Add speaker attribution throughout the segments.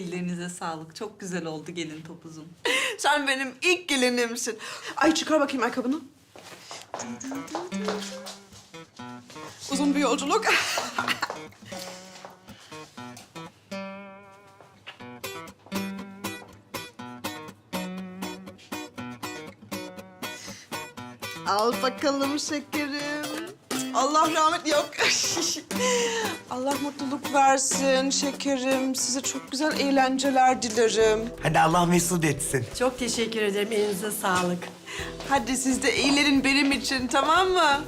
Speaker 1: Ellerinize sağlık. Çok güzel oldu gelin topuzum.
Speaker 2: Sen benim ilk gelinimsin. Ay çıkar bakayım ayakkabını. Uzun bir yolculuk. Al bakalım şekerim. Allah rahmet yok. Allah mutluluk versin şekerim. Size çok güzel eğlenceler dilerim.
Speaker 3: Hadi Allah mesut etsin.
Speaker 4: Çok teşekkür ederim. Elinize sağlık.
Speaker 2: Hadi siz de eğlenin benim için, tamam mı?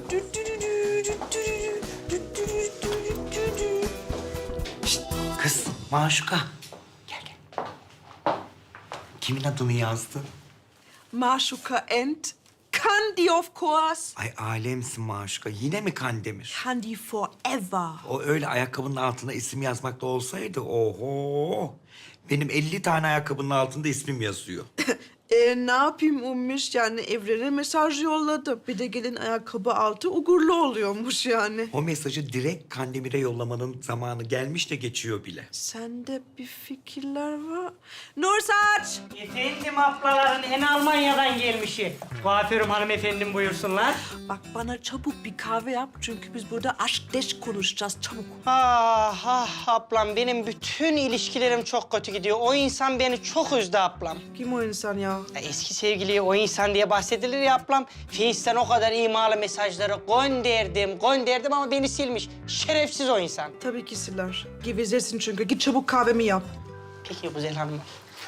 Speaker 3: Şişt, kız Maşuka. Gel gel. Kimin adını yazdın?
Speaker 2: Maşuka and Candy of course.
Speaker 3: Ay alemsin Maşuka. Yine mi Kandemir?
Speaker 2: Candy forever.
Speaker 3: O öyle ayakkabının altına isim yazmakta olsaydı oho. Benim 50 tane ayakkabının altında ismim yazıyor.
Speaker 2: Ne yapayım Ummiş? Yani evrene mesaj yolladım. Bir de gelin ayakkabı altı uğurlu oluyormuş yani.
Speaker 3: O mesajı direkt Kandemir'e yollamanın zamanı gelmiş de geçiyor bile.
Speaker 2: Sende bir fikirler var. Nursaç!
Speaker 5: Efendim ablaların en Almanya'dan gelmişi. Kuaförüm hanımefendim buyursunlar.
Speaker 2: Bak bana çabuk bir kahve yap. Çünkü biz burada aşk deşk konuşacağız. Çabuk.
Speaker 5: Ah ah ablam benim bütün ilişkilerim çok kötü gidiyor. O insan beni çok üzdü ablam.
Speaker 2: Kim o insan ya?
Speaker 5: Ya eski sevgiliye o insan diye bahsedilir ya ablam. Face'ten o kadar imalı mesajları gönderdim ama beni silmiş. Şerefsiz o insan.
Speaker 2: Tabii ki siler. Gevezesin çünkü. Git çabuk kahvemi yap.
Speaker 5: Peki güzel hanım.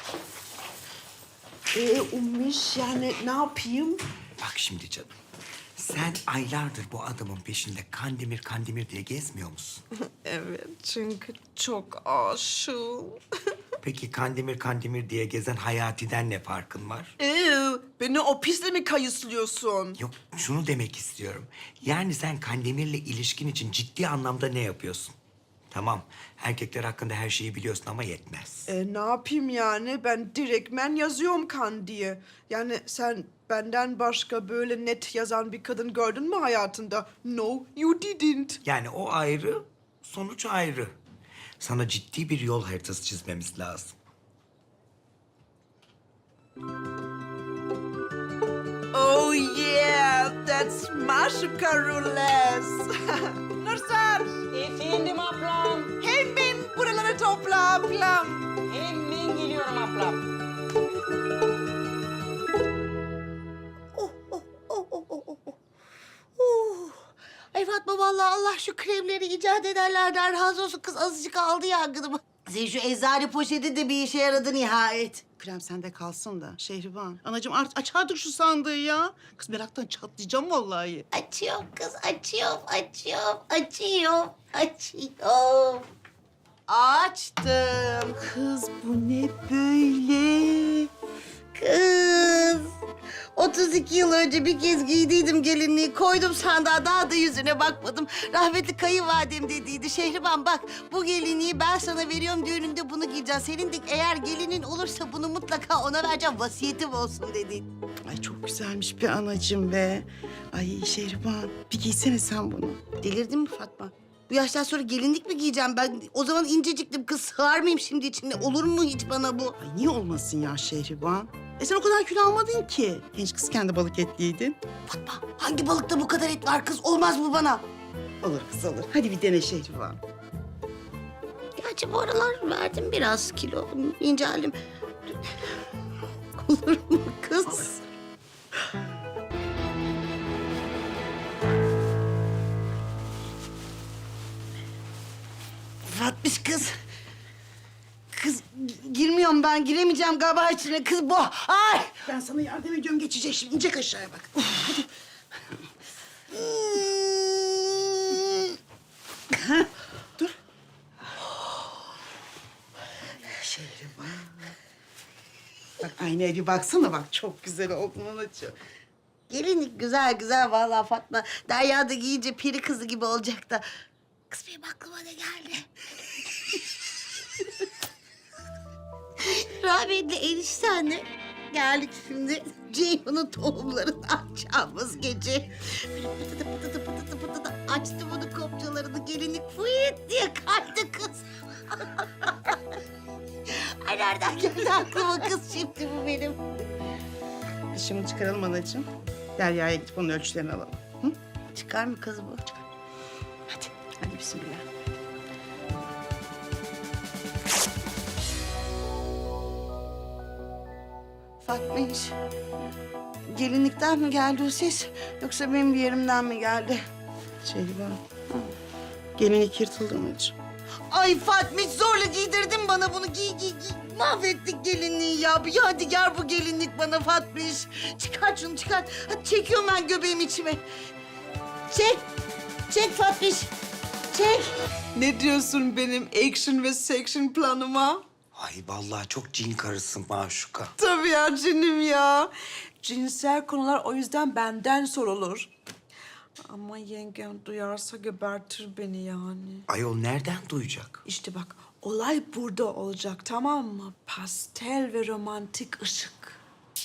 Speaker 2: Ummiş yani ne yapayım?
Speaker 3: Bak şimdi canım. Sen aylardır bu adamın peşinde Kandemir Kandemir diye gezmiyor musun?
Speaker 2: Evet çünkü çok aşığım.
Speaker 3: Peki Kandemir Kandemir diye gezen Hayati'den ne farkın var?
Speaker 2: Beni o pisle mi kayıslıyorsun?
Speaker 3: Yok, şunu demek istiyorum. Yani sen Kandemir'le ilişkin için ciddi anlamda ne yapıyorsun? Tamam, erkekler hakkında her şeyi biliyorsun ama yetmez.
Speaker 2: Ne yapayım yani? Ben direktmen yazıyorum kan diye. Yani sen benden başka böyle net yazan bir kadın gördün mü hayatında? No, you didn't.
Speaker 3: Yani o ayrı, sonuç ayrı. Sana ciddi bir yol haritası çizmemiz lazım.
Speaker 2: Oh yeah, that's Maşuka Rules. Nursaç,
Speaker 5: Efendim ablam.
Speaker 2: hemen buraları topla ablam.
Speaker 5: Hemen geliyorum ablam.
Speaker 6: Ay Fatma vallahi Allah şu kremleri icat edenlerden razı olsun. Kız azıcık aldı yangınımı. Senin şu eczane poşeti de bir işe yaradı nihayet.
Speaker 7: Krem sende kalsın da Şehriban. Anacığım aç artık şu sandığı ya. Kız meraktan çatlayacağım vallahi.
Speaker 6: Açıyorum kız, açıyorum. Açtım.
Speaker 7: Kız bu ne böyle?
Speaker 6: Kız. 32 yıl önce bir kez giydiydim gelinliği. Koydum sandığa, daha da yüzüne bakmadım. Rahmetli kayınvalidem dediydi. Şehriban bak, bu gelinliği ben sana veriyorum, düğününde bunu giyeceksin. Senin de eğer gelinin olursa bunu mutlaka ona vereceğim, vasiyetim olsun dedi.
Speaker 7: Ay çok güzelmiş bir anacığım be. Ay Şehriban bir giysene sen bunu.
Speaker 6: Delirdin mi Fatma? Bu yaştan sonra gelinlik mi giyeceğim ben? O zaman inceciktim kız, sığar mıyım şimdi içinde? Olur mu hiç bana bu?
Speaker 7: Ay niye olmasın ya Şehriban? Sen o kadar kilo almadın ki. Genç kız kendi balık etliydin.
Speaker 6: Fatma, hangi balıkta bu kadar et var kız? Olmaz bu bana.
Speaker 7: Olur kız olur. Hadi bir dene Şehriban.
Speaker 6: Gerçi bu aralar verdim biraz kilo, inceldim. Olur mu kız? Fatmış kız. Kız girmiyorum ben, giremeyeceğim galiba içine. Kız bu. Ay!
Speaker 7: Ben sana yardım ediyorum, geçecek şimdi. İnecek aşağıya bak. Hadi. Dur. Şehriban. Bak aynaya bir baksana bak. Çok güzel oldun anacığım.
Speaker 6: Gelinlik güzel vallahi Fatma. Derya da giyince peri kızı gibi olacak da. Kız benim aklıma ne geldi? Rahmetli eniştenle geldik şimdi. Ceyhun'un tohumlarını açacağımız gece. Böyle pıtıdı açtı bunu kopçalarını, gelinlik fıyıt diye kaydı kız. Ay nereden geldi aklıma kız şimdi bu benim?
Speaker 7: Biz şimdi çıkaralım anacığım. Derya'ya gidip onun ölçülerini alalım. Hı?
Speaker 6: Çıkar mı kız bu?
Speaker 7: Hadi, hadi bismillah.
Speaker 6: Fatmiş. Gelinlikten mi geldi o ses? Yoksa benim bir yerimden mi geldi?
Speaker 7: Şehriban. Gelinlik yırtıldı anacığım.
Speaker 6: Ay Fatmiş zorla giydirdin bana bunu. Giy giy giy. Mahvettik gelinliği ya. Bir yadigar bu gelinlik bana Fatmiş. Çıkar şunu çıkar. Hadi çekiyorum ben göbeğimi içime. Çek. Çek Fatmiş. Çek.
Speaker 2: Ne diyorsun benim action ve section planıma?
Speaker 3: Ay vallahi çok cin karısın Maşuka.
Speaker 2: Tabii ya cinim ya. Cinsel konular o yüzden benden sorulur. Ama yengem duyarsa gebertir beni yani.
Speaker 3: Ayol nereden duyacak?
Speaker 2: İşte bak olay burada olacak tamam mı? Pastel ve romantik ışık.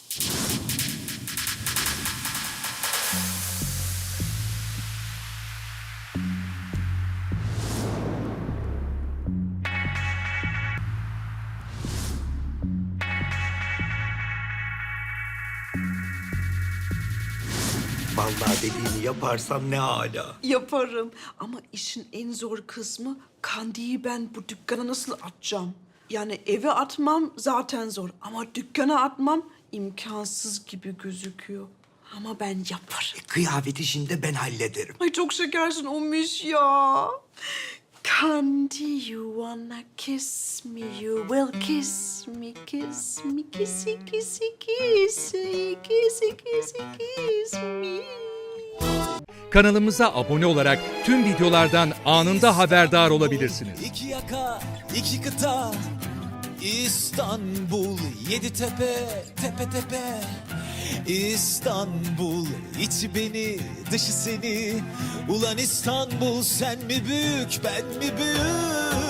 Speaker 3: Vallahi dediğini yaparsam ne hala.
Speaker 2: Yaparım ama işin en zor kısmı Kandi'yi ben bu dükkana nasıl atacağım? Yani eve atmam zaten zor ama dükkana atmam imkansız gibi gözüküyor. Ama ben yaparım.
Speaker 3: Kıyafet işini de ben hallederim.
Speaker 2: Ay çok şekersin Omiş ya. Kandi, you wanna kiss me, you will kiss me, kiss me, kissy, kissy, kissy, kissy, kissy, kiss me.
Speaker 8: Kanalımıza abone olarak tüm videolardan anında haberdar olabilirsiniz.
Speaker 9: İki yaka, iki kıta, İstanbul, yedi tepe, tepe tepe. İstanbul, içi beni, dışı seni. Ulan İstanbul, sen mi büyük, ben mi büyük?